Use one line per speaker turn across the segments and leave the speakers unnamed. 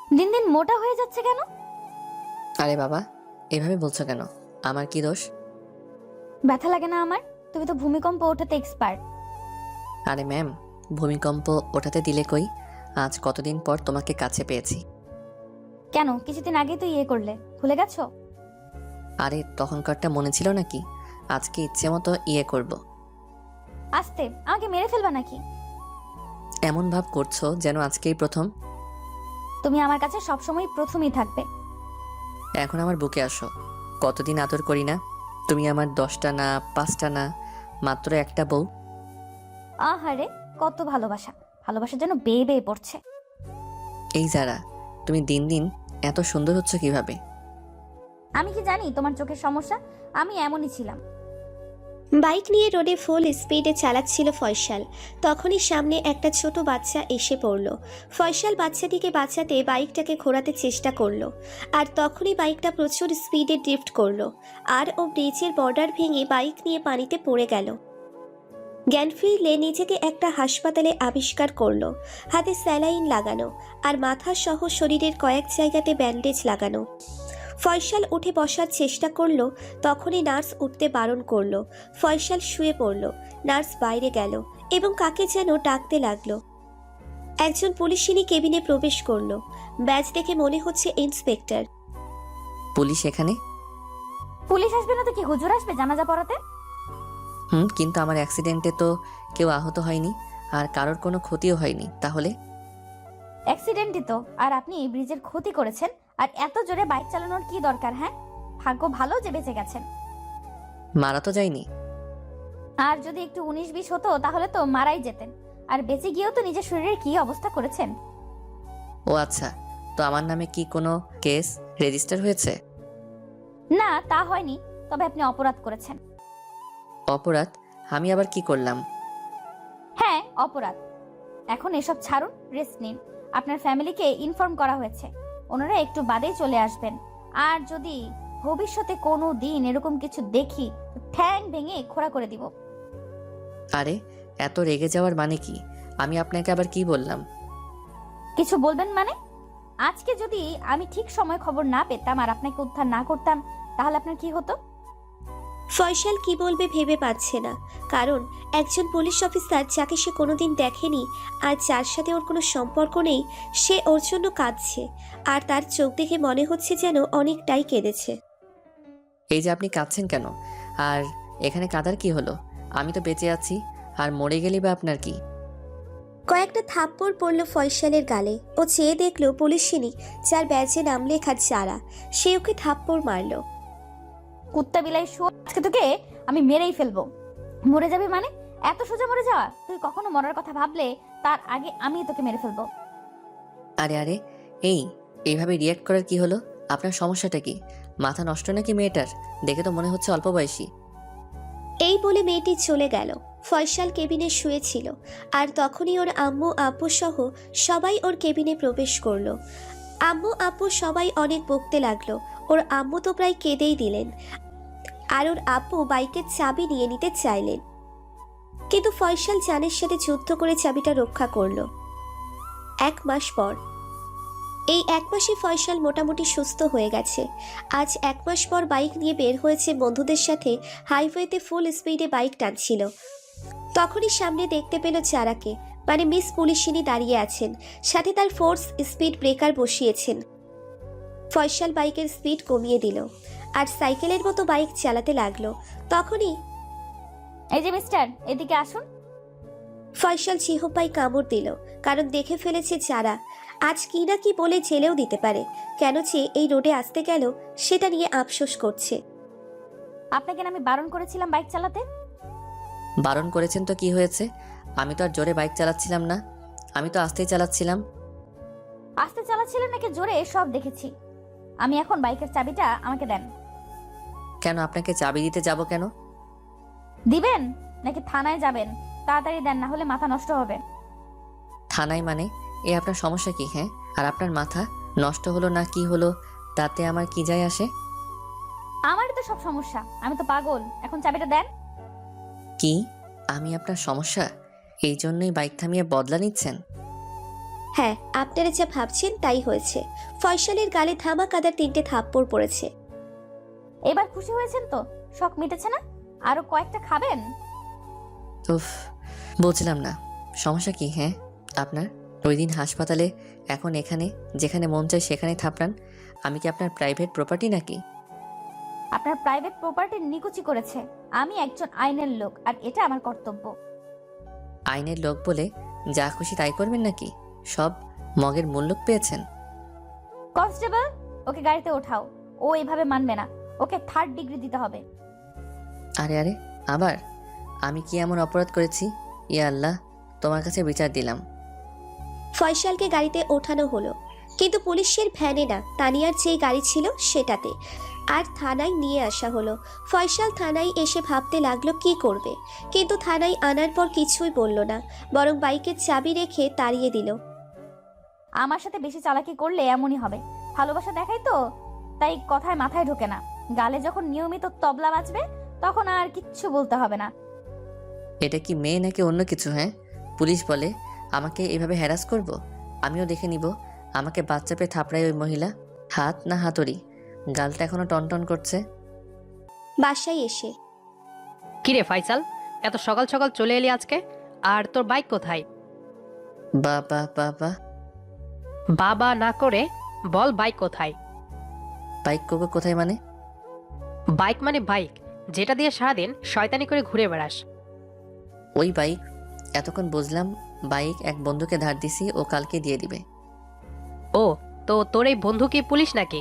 দিন দিন মোটা হয়ে যাচ্ছে কেন?
আরে বাবা, এভাবে বলছো কেন? আমার কি দোষ?
ব্যথা লাগে না আমার? তুমি তো ভূমিকম্প ওঠাতে এক্সপার্ট।
আরে ম্যাম, ভূমিকম্প ওঠাতে দিলে কই? আজ কতদিন পর তোমাকে কাছে পেয়েছি।
কেন, কিছুদিন আগেই তো করলে, ভুলে গেছো?
আরে তখনকারটা মনে ছিল নাকি? আজকে ইচ্ছে মতো করব।
আস্তে, আমাকে মেরে ফেলবা নাকি?
এমন ভাব করছো যেন আজকেই প্রথম।
তুমি আমার কাছে সবসময় প্রথমেই থাকবে।
এখন আমার বুকে আসো। কতদিন আদর করি না? তুমি আমার 10টা না, 5টা না, মাত্র একটা বউ।
আহারে, কত ভালোবাসা! ভালোবাসা যেন বেয়ে বেয়ে পড়ছে।
এই যারা, তুমি দিন দিন এত সুন্দর হচ্ছে কিভাবে?
আমি কি জানি তোমার চোখের সমস্যা? আমি এমনই ছিলাম।
বাইক নিয়ে রোডে ফুল স্পিডে চালাচ্ছিল ফয়সাল। তখনই সামনে একটা ছোট বাচ্চা এসে পড়ল। ফয়সাল বাচ্চাটিকে বাঁচাতে বাইকটাকে ঘোরাতে চেষ্টা করলো, আর তখনই বাইকটা প্রচুর স্পিডে ড্রিফট করলো, আর ও ব্রিজের বর্ডার ভেঙে বাইক নিয়ে পানিতে পড়ে গেল। জ্ঞান ফিরলে নিজেকে একটা হাসপাতালে আবিষ্কার করলো, হাতে স্যালাইন লাগানো আর মাথা সহ শরীরের কয়েক জায়গাতে ব্যান্ডেজ লাগানো। ফয়সাল উঠে বসার চেষ্টা করলো, তখনই নার্স উঠতে বারণ করলো। ফয়সাল শুয়ে পড়ল। নার্স বাইরে গেল এবং কাকে যেন ডাকতে লাগলো। একজন পুলিশিনী কেবিনে প্রবেশ করলো। ব্যাজ দেখে মনে হচ্ছে ইন্সপেক্টর।
পুলিশ এখানে?
পুলিশ আসবে না তো কি, হুজুর আসবে জানাজা পড়াতে?
কিন্তু আমার অ্যাক্সিডেন্টে তো কেউ আহত হয়নি, আর কারোর কোনো ক্ষতিও হয়নি। তাহলে?
অ্যাক্সিডেন্টই তো, আর আপনি ব্রিজের ক্ষতি করেছেন। আর এত জোরে বাইক চালানোর কি দরকার? হ্যাঁ, ভাগ্য ভালো যে বেঁচে গেছেন।
মারা তো যায়নি।
আর যদি একটু 19-20 হতো তাহলে তো মারাই যেতেন। আর বেঁচে গিয়েও তো নিজের শরীরের কি অবস্থা করেছেন।
ও আচ্ছা, তো আমার নামে কি কোনো কেস রেজিস্টার হয়েছে?
না, তা হয়নি, তবে আপনি অপরাধ করেছেন।
অপরাধ? আমি আবার কি করলাম?
হ্যাঁ, অপরাধ। এখন এসব ছাড়ুন, রেস্ট নিন। আপনার ফ্যামিলিকে ইনফর্ম করা হয়েছে, ওনারা একটু বাদেই চলে আসবেন। আর যদি ভবিষ্যতে কোনো দিন এরকম কিছু দেখি তো ঠ্যাং ভেঙে খোঁড়া করে দিব।
আরে, এত রেগে যাওয়ার মানে কি? আমি আপনাকে আবার কি বললাম?
কিছু বলবেন মানে? আজকে যদি আমি ঠিক সময় খবর না পেতাম আর আপনাকে উদ্ধার না করতাম, তাহলে আপনার কি হতো?
ফয়সাল কি বলবে ভেবে পাচ্ছে না, কারণ একজন পুলিশ অফিসার যাকে সে কোনোদিন দেখেনি আর যার সাথে ওর কোনো সম্পর্ক নেই, সে ওর জন্য কাঁদছে, আর তার চোখ দেখে মনে হচ্ছে যেন অনেকটাই কেঁদেছে।
এই যে আপনি কাঁদছেন কেন? আর এখানে কাঁদার কি হলো? আমি তো বেঁচে আছি, আর মরে গেলি বা আপনার কি?
কয়েকটা থাপ্পড় পড়ল ফয়সালের গালে। ও চেয়ে দেখলো পুলিশিনী, যার ব্যাজে নাম লেখা যারা, সে ওকে থাপ্পড় মারলো।
কুত্তা বিলাই শুয়োর, আজকে তোকে আমি মেরেই ফেলবো। মরে যাবে মানে? এত সোজা মরে যাওয়া? তুই কখনো মরার কথা ভাবলে তার আগে আমি তোকে মেরে ফেলবো।
আরে আরে, এইভাবে রিয়াক্ট করার কি হলো? আপনার সমস্যাটা কি? মাথা নষ্ট নাকি মেয়েটার? দেখে তো মনে হচ্ছে অল্প বয়সী।
এই বলে মেয়েটি চলে গেল। ফয়সাল কেবিনে শুয়েছিল, আর তখনই ওর আম্মু আব্বু সহ সবাই ওর কেবিনে প্রবেশ করলো। আম্মু আব্বু সবাই অনেক বকতে লাগলো। ওর আম্মু তো প্রায় কেঁদেই দিলেন, আর ওর আব্বু বাইকের চাবি নিয়ে নিতে চাইলেন, কিন্তু ফয়সাল জানের সাথে যুদ্ধ করে চাবিটা রক্ষা করলো। 1 মাস পর। এই 1 মাসে ফয়সাল মোটামুটি সুস্থ হয়ে গেছে। আজ 1 মাস পর বাইক নিয়ে বের হয়েছে বন্ধুদের সাথে। হাইওয়েতে ফুল স্পিডে বাইক টানছিল। তখনই সামনে দেখতে পেল চারাকে, মানে মিস পুলিশিনী দাঁড়িয়ে আছেন, সাথে তার ফোর্স স্পিড ব্রেকার বসিয়েছেন। ফয়সাল বাইকের স্পিড কমিয়ে দিল আর সাইকেলের মতো বাইক চালাতে লাগলো। তখনই
এই যে মিস্টার, এদিকে আসুন।
ফয়সাল জিহ্বায় কামড় দিল, কারণ দেখে ফেলেছে যারা আজ কি না কি বলে জেলেও দিতে পারে। কেন যে এই রোডে আসতে গেল সেটা নিয়ে আফসোস করছে।
আপনাকে না আমি বারণ করেছিলাম বাইক চালাতে?
বারণ করেছেন তো কি হয়েছে? আমি তো আর জোরে বাইক চালাচ্ছিলাম না, আমি তো আস্তেই চালাচ্ছিলাম।
আস্তে চালাচ্ছিলেন নাকি জোরে সব দেখেছি। আমি এখন বাইকের চাবিটা আমাকে দেন।
কেন আপনাকে চাবি দিতে যাব কেন?
দিবেন নাকি থানায় যাবেন? তাড়াতাড়ি দেন, না হলে মাথা নষ্ট হবে।
থানায় মানে? আপনার সমস্যা কি? হ্যাঁ, আর আপনার মাথা নষ্ট হলো না কি হলো তাতে আমার কি যায় আসে?
আমারই তো সব সমস্যা, আমি তো পাগল। এখন চাবিটা দেন।
কি? আমি আপনার সমস্যা? এই জন্যই বাইক থামিয়ে বদলা নিচ্ছেন?
হ্যাঁ, আপনারা যা ভাবছেন তাই হয়েছে। ফয়সালের গালে ধামাকাদার 3টে থাপ্পড় পড়েছে।
এবার খুশি হয়েছেন তো? শখ মিটেছে না? আরো কয়েকটা খাবেন?
উফ, বলছিলাম না, সমস্যা কি হ্যাঁ আপনার? ওই দিন হাসপাতালে, এখন এখানে, যেখানে মন চায় সেখানে থাপড়ান। আমি কি আপনার প্রাইভেট প্রপার্টি নাকি?
আপনার প্রাইভেট প্রপার্টি নিকুচি করেছে। আমি একজন আইনের লোক, আর এটা আমার কর্তব্য।
আইনের লোক বলে যা খুশি তাই করবেন নাকি? সব মগের মূল্য পেয়েছেন।
কনস্টেবল, ওকে গাড়িতে ওঠাও। ও এভাবে মানবে না, ওকে 3rd ডিগ্রি দিতে হবে।
আরে আরে, আবার আমি কি এমন অপরাধ করেছি? ইয়া আল্লাহ, তোমার কাছে বিচার দিলাম।
ফয়সালকে গাড়িতে ওঠানো হলো, কিন্তু পুলিশের ভ্যানে না, তানিয়ার যেই গাড়ি ছিল সেটাতে। আর থানায় নিয়ে আসা হলো। ফয়সাল থানায় এসে ভাবতে লাগলো কি করবে, কিন্তু থানায় আনার পর কিছুই বলল না, বরং বাইকের চাবি রেখে তাড়িয়ে দিল।
আমার সাথে বেশি চালাকি করলে এমনই হবে। ভালোবাসা দেখাই তো, তাই কথায় মাথায় ঢোকে না। গালে যখন নিয়মিত তবলা বাজবে, তখন আর কিচ্ছু বলতে হবে না।
এটা কি মেয়ে নাকি অন্য কিছু? হ্যাঁ, পুলিশ বলে আমাকে এভাবে হ্যারাস করব? আমিও দেখে নিব আমাকে বাচ্চা পেয়ে থাপড়ায় ওই মহিলা। হাত না হাতুড়ি? গালটা এখনো টনটন করছে।
বাসায় এসে
কিরে ফাইসাল, এত সকাল সকাল চলে এলি আজকে? আর তোর বাইক কোথায়?
বাবা বাবা,
বাবা না করে বল বাইক কোথায়?
বাইক করবো কোথায় মানে?
বাইক মানে বাইক, যেটা দিয়ে সারাদিন শয়তানি করে ঘুরে বেড়াস।
ওই বাইক? এতক্ষণ বুঝলাম বাইক এক বন্ধুকে ধার দিছি, ও কালকে দিয়ে দিবে।
ও, তো তোর এই বন্ধু কি পুলিশ নাকি?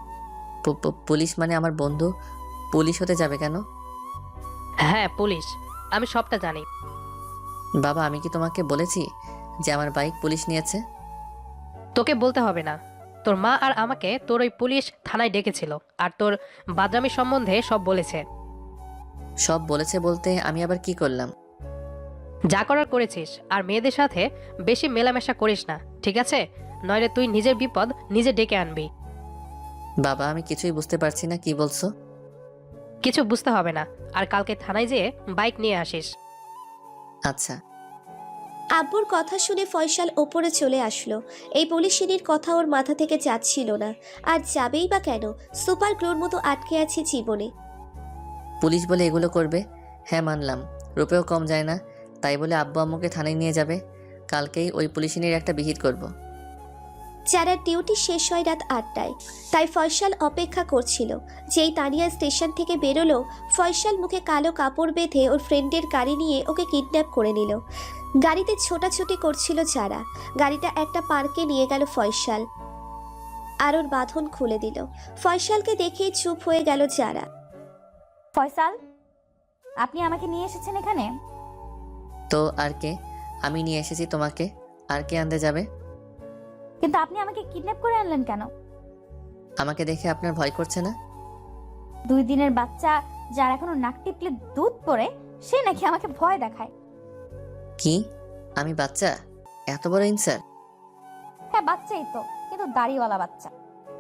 পুলিশ মানে আমার বন্ধু পুলিশ হতে যাবে কেন?
হ্যাঁ পুলিশ, আমি সবটা জানি।
বাবা, আমি কি তোমাকে বলেছি যে আমার বাইক পুলিশ নিয়েছে?
তোকে বলতে হবে না, তোর মা আর আমাকে তোর ওই পুলিশ থানায় ডেকেছিল, আর তোর বাদরামি সম্বন্ধে সব বলেছে।
সব বলেছে বলতে আমি আবার কি করলাম?
যা করার করেছিস, আর মেয়েদের সাথে বেশি মেলামেশা করিস না, ঠিক আছে? নইলে তুই নিজের বিপদ নিজে ডেকে আনবি।
বাবা, আমি কিছুই বুঝতে পারছি না, কি বলছো?
কিছু বুঝতে হবে না, আর কালকে থানায় যেয়ে বাইক নিয়ে আসিস।
আচ্ছা।
আব্বুর কথা শুনে ফয়সাল ওপরে চলে আসলো। এই পুলিশিনীর কথা ওর মাথা থেকে যাচ্ছিল না, আর যাবেই বা কেন? সুপার গ্লোর মতো আটকে আছে জীবনে।
পুলিশ বলে এগুলো করবে? হ্যাঁ মানলাম, রূপেও কম যায় না, তাই বলে আব্বু আম্মুকে থানায় নিয়ে যাবে? কালকেই ওই পুলিশিনীর একটা বিহিত করব।
যারা ডিউটি শেষ হয় রাত 8টায়, তাই ফয়সাল অপেক্ষা করছিল। যেই তানিয়া স্টেশন থেকে বেরোলো, ফয়সাল মুখে কালো কাপড় বেঁধে ওর ফ্রেন্ডের গাড়ি নিয়ে ওকে কিডন্যাপ করে নিল। গাড়িতে ছোটাছুটি করছিল যারা। গাড়িটা একটা পার্কে নিয়ে গেল ফয়সাল, আর ওর বাঁধন খুলে দিল। ফয়সালকে দেখে চুপ হয়ে গেল যারা।
ফয়সাল, আপনি আমাকে নিয়ে এসেছেন এখানে?
তো আর কে? আমি নিয়ে এসেছি তোমাকে, আর কে আনতে যাবে?
কিন্তু আপনি আমাকে কিডন্যাপ করে আনলেন কেন?
আমাকে দেখে আপনার ভয় করছে না?
2 দিনের বাচ্চা, যার এখনো নাক টিপলে দুধ পড়ে, সে নাকি আমাকে ভয় দেখায়?
কি? আমি বাচ্চা? এত বড় ইনসার!
হ্যাঁ বাচ্চাই তো, কিন্তু দাড়িওয়ালা বাচ্চা।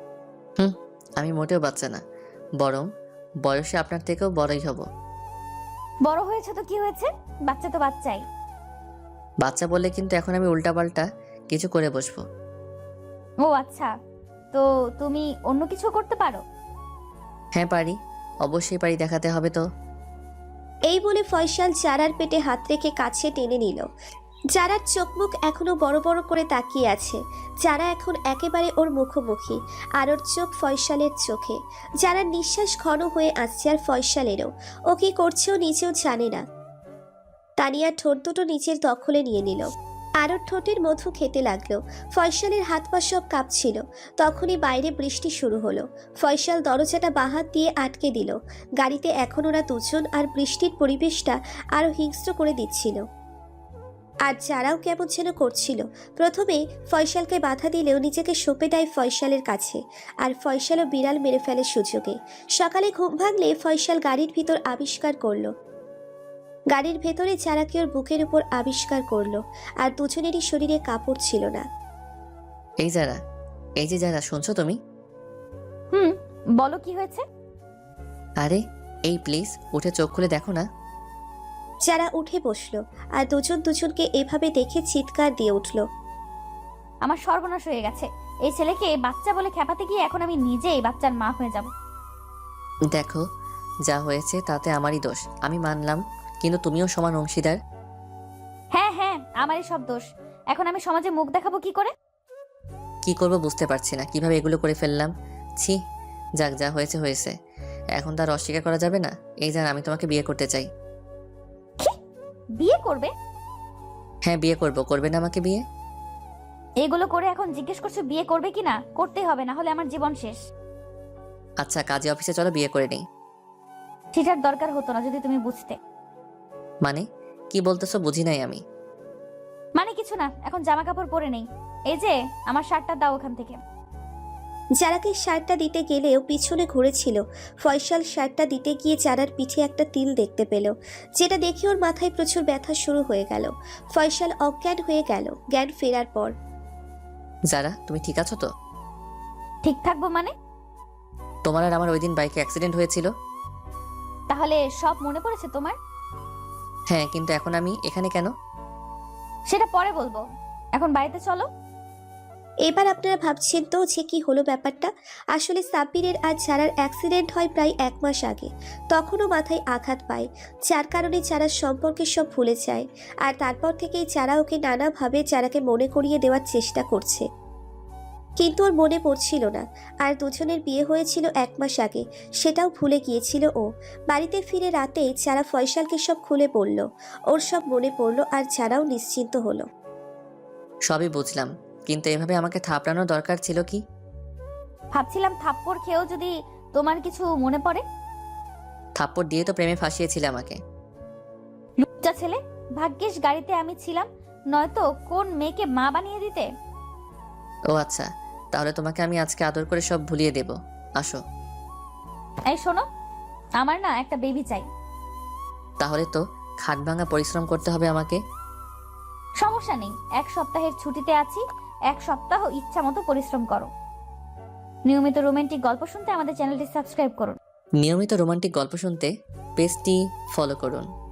আমি মোটেও বাচ্চা না, বরং বয়সে আপনার থেকেও বড়ই হব।
বড় হয়েছে তো কি হয়েছে, বাচ্চা তো বাচ্চাই।
বাচ্চা বললে কিন্তু এখন আমি উল্টাপাল্টা কিছু করে বসবো।
ও আচ্ছা, তো তুমি অন্য কিছু করতে পারো?
হ্যাঁ পারি, অবশ্যই পারি, দেখাতে হবে তো।
এই বলে ফয়সাল জারার পেটে হাত রেখে কাছে টেনে নিল। জারার চোখ মুখ এখনো বড় বড় করে তাকিয়ে আছে। যারা এখন একেবারে ওর মুখোমুখি, আর ওর চোখ ফয়সালের চোখে। যারার নিঃশ্বাস ঘন হয়ে আসছে, আর ফয়সালেরও। ও কি করছে ও নিজেও জানে না। তানিয়া ঠোঁট দুটো নিচের দখলে নিয়ে নিল, আর ওর ঠোঁটের মধু খেতে লাগলো। ফয়সালের হাত পা সব কাঁপছিল। তখনই বাইরে বৃষ্টি শুরু হলো। ফয়সাল দরজাটা বাহাত দিয়ে আটকে দিল। গাড়িতে এখন ওরা দুজন, আর বৃষ্টির পরিবেশটা আরো হিংস্র করে দিচ্ছিল। আর যারাও কেমন যেন করছিল। প্রথমে ফয়সালকে বাধা দিলেও নিজেকে সঁপে দেয় ফয়সালের কাছে, আর ফয়সালও বিড়াল মেরে ফেলে সুযোগে। সকালে ঘুম ভাঙলে ফয়সাল গাড়ির ভিতর আবিষ্কার করলো, গাড়ির ভেতরে যারাকে ওর বুকের উপর আবিষ্কার করলো, আর দুজনেরই শরীরে কাপড় ছিল না।
এই যারা, এই যে যারা, শুনছো তুমি?
বলো কি হয়েছে?
আরে এই প্লিজ উঠে চোখ খুলে দেখো না।
যারা উঠে বসলো, আর দুজন দুজনকে এভাবে দেখে চিৎকার দিয়ে উঠল।
আমার সর্বনাশ হয়ে গেছে। এই ছেলেকে বাচ্চা বলে খেপাতে গিয়ে এখন আমি নিজেই বাচ্চার মা হয়ে যাব।
দেখো, যা হয়েছে তাতে আমারই দোষ, আমি মানলাম, কিন্তু তুমিও সমান অংশীদার।
হ্যাঁ হ্যাঁ, আমারই সব দোষ। এখন আমি সমাজে মুখ দেখাবো কি করে?
কি করব বুঝতে পারছি না, কিভাবে এগুলো করে ফেললাম। ছি, যাক, যা হয়েছে হয়েছে, এখন তার অস্বীকার করা যাবে না। এই জান, আমি তোমাকে বিয়ে করতে চাই।
বিয়ে করবে?
হ্যাঁ, বিয়ে করব। করবে না আমাকে বিয়ে?
এগুলো করে এখন জিজ্ঞেস করছো বিয়ে করবে কিনা? করতেই হবে, না হলে আমার জীবন শেষ।
আচ্ছা, কাজে অফিসে চলো, বিয়ে করে নেই।
সেটার দরকার হতো না যদি তুমি বুঝতে।
মানে কি বলতেছো, বুঝি নাই আমি।
মানে কিছু না, এখন জামা কাপড় পরে নেই। এই যে আমার শার্টটা দাও ওখান থেকে।
যারাকে শার্টটা দিতে গেলেও পিছনে ঘুরেছিল। ফয়সাল শার্টটা দিতে গিয়ে যারার পিঠে একটা তিল দেখতে পেল, যেটা দেখে ওর মাথায় প্রচুর ব্যথা শুরু হয়ে গেল। ফয়সাল অজ্ঞান হয়ে গেল। জ্ঞান ফেরার পর,
যারা, তুমি ঠিক আছো তো?
ঠিক থাকবো মানে?
তোমার আর আমার ওই দিন বাইকে অ্যাক্সিডেন্ট হয়েছিল।
তাহলে সব মনে পড়েছে তোমার?
হ্যাঁ, কিন্তু এখন আমি এখানে কেন?
সেটা পরে বলবো, এখন বাড়িতে চলো।
এবার আপনারা ভাবছেন তো যে কি হলো ব্যাপারটা। আসলে সাব্বিরের আর যারার অ্যাক্সিডেন্ট হয় প্রায় 1 মাস আগে। তখনও মাথায় আঘাত পায়, যার কারণে যারা সম্পর্কে সব ভুলে যায়। আর তারপর থেকেই যারা ওকে নানাভাবে যারাকে মনে করিয়ে দেওয়ার চেষ্টা করছে, কিন্তু ওর মনে পড়ছিল না। আর দুজনের বিয়ে হয়েছিল 1 মাস আগে, সেটাও ভুলে গিয়েছিল ও। বাড়িতে ফিরে রাতে যারা ফয়সালকে সব খুলে বলল, ওর সব মনে পড়লো আর যারাও নিশ্চিন্ত হলো।
সবই বুঝলাম, কিন্তু এভাবে আমাকে থাপড়ানোর দরকার ছিল কি?
ভাবছিলাম থাপ্পড় খেয়েও যদি তোমার কিছু মনে পড়ে।
থাপ্পড় দিয়ে তো প্রেমে ফাঁসিয়েছিলে আমাকে।
লুচ্চা ছেলে, ভাগ্যিস গাড়িতে আমি ছিলাম, নয়তো কোন মেয়েকে মা বানিয়ে দিতে।
ও আচ্ছা, তাহলে তোমাকে আমি আজকে আদর করে সব ভুলিয়ে দেব। আসো।
এই শোনো, আমার না একটা বেবি চাই।
তাহলে তো খাট ভাঙা পরিশ্রম করতে হবে আমাকে।
সমস্যা নেই, 1 সপ্তাহের ছুটিতে আছি, 1 সপ্তাহ ইচ্ছা মতো পরিশ্রম করো। নিয়মিত রোমান্টিক গল্প শুনতে আমাদের চ্যানেলটি সাবস্ক্রাইব করুন।
নিয়মিত রোমান্টিক গল্প শুনতে পেজটি ফলো করুন।